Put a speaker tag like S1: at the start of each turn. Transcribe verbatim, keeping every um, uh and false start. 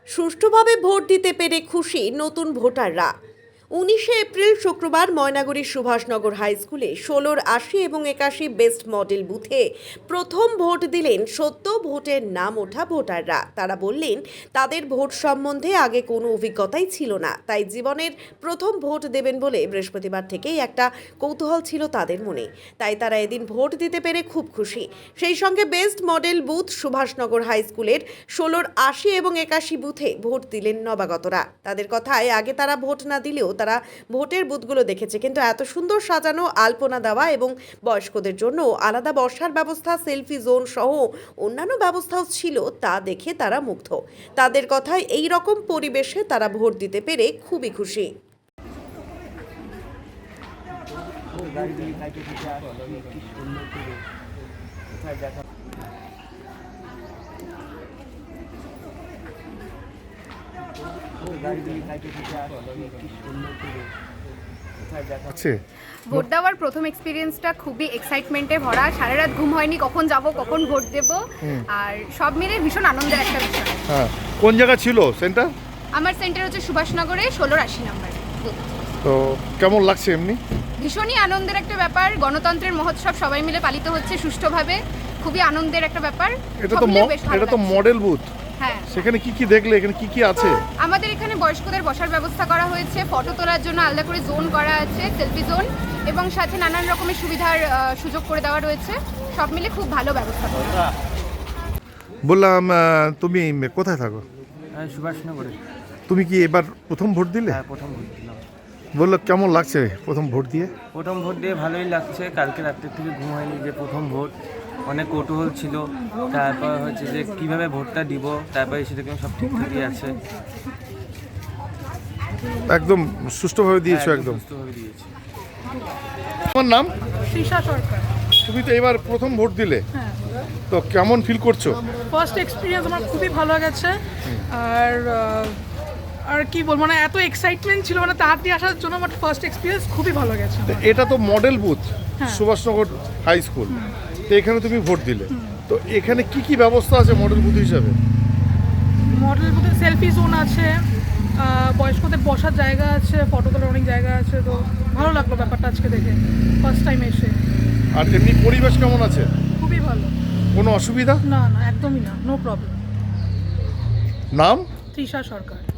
S1: সুষ্ঠুভাবে ভোট দিতে পেরে খুশি নতুন ভোটাররা। উনিশে এপ্রিল শুক্রবার ময়নাগুড়ির সুভাষনগর হাই স্কুলে ষোলোর আশি এবং একাশি বেস্ট মডেল বুথে প্রথম ভোট দিলেন সদ্য ভোটের নাম ওঠা ভোটাররা। তারা বললেন তাদের ভোট সম্বন্ধে আগে কোনো অভিজ্ঞতাই ছিল না, তাই জীবনের প্রথম ভোট দেবেন বলে বৃহস্পতিবার থেকেই একটা কৌতূহল ছিল তাদের মনে। তাই তারা এদিন ভোট দিতে পেরে খুব খুশি। সেই সঙ্গে best model booth Subhashnagar high স্কুলের ষোলোর আশি এবং একাশি বুথে ভোট দিলেন নবাগতরা। তাদের কথায় আগে তারা ভোট না দিলেও তারা ভোটের বুথগুলো দেখেছে, কিন্তু এত সুন্দর সাজানো, আলপনা দেওয়া এবং বয়স্কদের জন্য আলাদা বসার ব্যবস্থা, সেলফি জোন সহ অন্যান্য ব্যবস্থাও ছিল, তা দেখে তারা মুগ্ধ। তাদের কথায় এই রকম পরিবেশে তারা ভোট দিতে পেরে খুবই খুশি।
S2: ভোট দেওয়ার প্রথম এক্সপিরিয়েন্সটা খুবই এক্সাইটমেন্টে ভরা। সারা রাত ঘুম হয়নি, কখন যাব কখন ভোট দেব, আর সব মিলে ভীষণ আনন্দের একটা বিষয়।
S3: হ্যাঁ, কোন জায়গা ছিল সেন্টার?
S2: আমার সেন্টার হচ্ছে সুভাষনগরে ষোলোর আশি নাম্বার।
S3: তো কেমন লাগছে এমনি?
S2: ভীষণই আনন্দের একটা ব্যাপার। গণতন্ত্রের মহোৎসব সবাই মিলে পালিত হচ্ছে সুষ্ঠুভাবে, খুবই আনন্দের একটা ব্যাপার।
S3: এটা
S2: সব
S3: তো
S2: মিলিয়ে
S3: ম-
S2: বেশ ভালো
S3: এটা তো
S2: লাগছে।
S3: Model booth.
S2: হ্যাঁ,
S3: সেখানে কি কি দেখলে, এখানে কি কি আছে?
S2: আমাদের এখানে বয়স্কদের বসার ব্যবস্থা করা হয়েছে, ফটো তোলার জন্য আলাদা করে জোন করা আছে, সেলফি জোন, এবং সাথে নানান রকমের সুবিধার আহ, সুযোগ করে দেওয়া রয়েছে। সব মিলে খুব ভালো ব্যবস্থা করা।
S3: বললাম আহ, তুমি কোথায় থাকো?
S4: হ্যাঁ, সুভাষনগরে।
S3: তুমি কি এবার প্রথম ভোট দিলে?
S4: হ্যাঁ, প্রথম ভোট দিলাম।
S3: বললো কেমন লাগছে প্রথম ভোট দিয়ে?
S4: প্রথম ভোট দিয়ে ভালোই লাগছে। কালকে রাত্রের থেকে ঘুম হয়নি, যে প্রথম ভোট অনেক কৌতূহল ছিল। তারপর হচ্ছে যে কিভাবে ভোটটা দিব, তারপরে সেরকম সব ঠিকঠাকই আছে।
S3: একদম সুষ্ঠুভাবে দিয়েছো?
S4: হ্যাঁ,
S3: একদম
S4: সুস্থভাবে দিয়েছি।
S3: তোমার নাম?
S5: তৃষা সরকার।
S3: তুমি তো এবার প্রথম ভোট দিলে,
S5: হ্যাঁ,
S3: তো কেমন ফিল করছো?
S5: ফার্স্ট এক্সপিরিয়েন্স আমার খুবই ভালো গেছে। আর আহ, আর কি বলবো, মানে এত এক্সাইটমেন্ট ছিল মানে তাড়াতাড়ি আসার জন্য, বাট ফার্স্ট এক্সপিরিয়েন্স খুবই ভালো গেছে আমার।
S3: এটা তো মডেল বুথ
S5: হ্যাঁ।
S3: সুভাষনগর হাই স্কুল, তো এখানে তুমি ভোট দিলে, তো এখানে কি কি ব্যবস্থা আছে মডেল বুথ হিসাবে?
S5: মডেল বুথে সেলফি জোন আছে, আহ, বয়স্কদের বসার জায়গা আছে, ফটো তোলার অনেক জায়গা আছে। তো ভালো লাগলো ব্যাপারটা আজকে দেখে, ফার্স্ট টাইম এসে।
S3: আর এমনি পরিবেশ কেমন আছে?
S5: খুবই ভালো।
S3: কোনো অসুবিধা?
S5: না না, একদমই না, নো প্রবলেম।
S3: নাম?
S5: তৃষা সরকার।